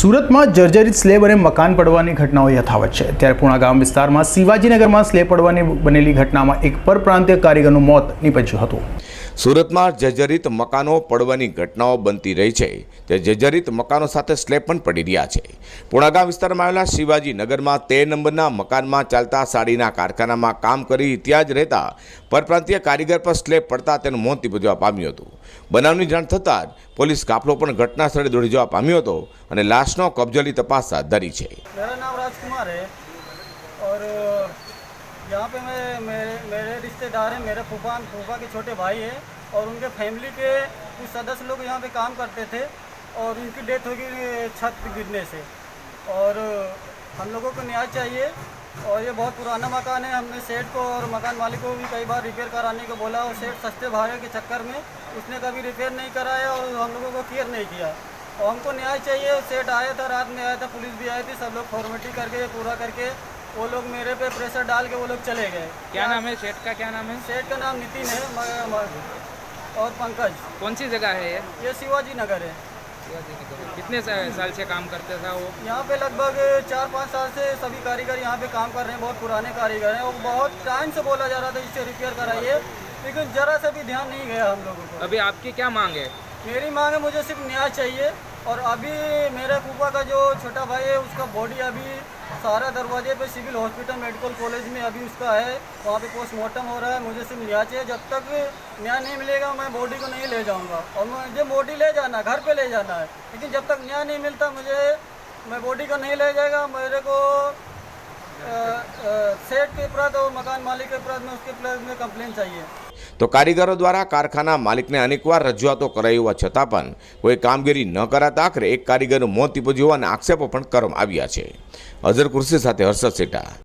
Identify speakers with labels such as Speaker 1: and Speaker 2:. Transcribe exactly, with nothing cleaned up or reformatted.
Speaker 1: સુરતમાં જર્જરિત સ્લેબ અને મકાન પડવાની ઘટનાઓ યથાવત છે। ત્યારે પૂણા ગામ વિસ્તારમાં શિવાજીનગરમાં સ્લેબ પડવાની બનેલી ઘટનામાં એક પરપ્રાંતીય કારીગરનું મોત નીપજ્યું હતું।
Speaker 2: સુરતમાં જર્જરિત મકાનો પડવાની ઘટનાઓ બનતી રહી છે, તે જર્જરિત મકાનો સાથે સ્લેબ પણ પડી રહ્યા છે। પૂણા ગામ વિસ્તારમાં આવેલા શિવાજીનગરમાં તેર નંબરના મકાનમાં ચાલતા સાડીના કારખાનામાં કામ કરી ત્યાં જ રહેતા પરપ્રાંતીય કારીગર પર સ્લેબ પડતા તેનું મોત નીપજવા પામ્યું હતું। બનાવની જાણ થતાં જ પોલીસ કાફલો પણ ઘટના સ્થળે દોડી જવા પામ્યો હતો અને લાશનો कब्जा ली तपास हाथ धरी है।
Speaker 3: मेरा नाम राजकुमार है और यहाँ पे मैं मेरे मेरे रिश्तेदार हैं, मेरे फूफा फूफा के छोटे भाई हैं और उनके फैमिली के कुछ सदस्य लोग यहाँ पे काम करते थे और उनकी डेथ हो गई छत गिरने से। और हम लोगों को न्याय चाहिए और ये बहुत पुराना मकान है। हमने सेठ को और मकान मालिक को भी कई बार रिपेयर कराने को बोला और सेठ सस्ते भाड़े के चक्कर में उसने कभी रिपेयर नहीं कराया और हम लोगों को केयर नहीं किया और हमको न्याय चाहिए। सेठ आया था, रात में आया था, पुलिस भी आई थी, सब लोग फॉर्मेलिटी करके पूरा करके वो लोग मेरे पे प्रेशर डाल के वो लोग चले गए।
Speaker 4: क्या नाम है सेठ का? क्या नाम है?
Speaker 3: सेठ का नाम नितिन है म- म- और पंकज।
Speaker 4: कौन सी जगह है ये?
Speaker 3: ये शिवाजी नगर है।
Speaker 4: कितने सा- साल से काम करते था वो?
Speaker 3: यहाँ पे लगभग चार पाँच साल से सभी कारीगर यहाँ पे काम कर रहे हैं। बहुत पुराने कारीगर हैं और बहुत टाइम से बोला जा रहा था इससे रिपेयर कराइए, लेकिन ज़रा सा भी ध्यान नहीं गया हम लोगों को।
Speaker 4: अभी आपकी क्या मांग है?
Speaker 3: मेरी मांग है, मुझे सिर्फ न्याय चाहिए। और अभी मेरे फूफा का जो छोटा भाई है उसका बॉडी अभी सारा दरवाजे पे सिविल हॉस्पिटल मेडिकल कॉलेज में अभी उसका है, वहाँ पे पोस्टमार्टम हो रहा है। मुझे सिर्फ न्याय चाहिए। जब तक न्याय नहीं मिलेगा मैं बॉडी को नहीं ले जाऊँगा और मुझे बॉडी ले जाना है, घर पे ले जाना है, लेकिन जब तक न्याय नहीं मिलता मुझे मैं बॉडी को नहीं ले जाएगा। मेरे को सेठ के प्रति और मकान मालिक के प्रति में उसके प्रति में कंप्लेन चाहिए।
Speaker 2: तो कारीगरों द्वारा कारखाना मालिक ने अनेकवार रजूआतो कराई होवा छतां पण कोई कामगीरी न कराता आखरे एक कारीगरનું મોત નીપજ્યું હોવાના આક્ષેપો પણ કરવામાં આવ્યા છે। અઝર કુર્સી સાથે હર્ષદ સેઠા।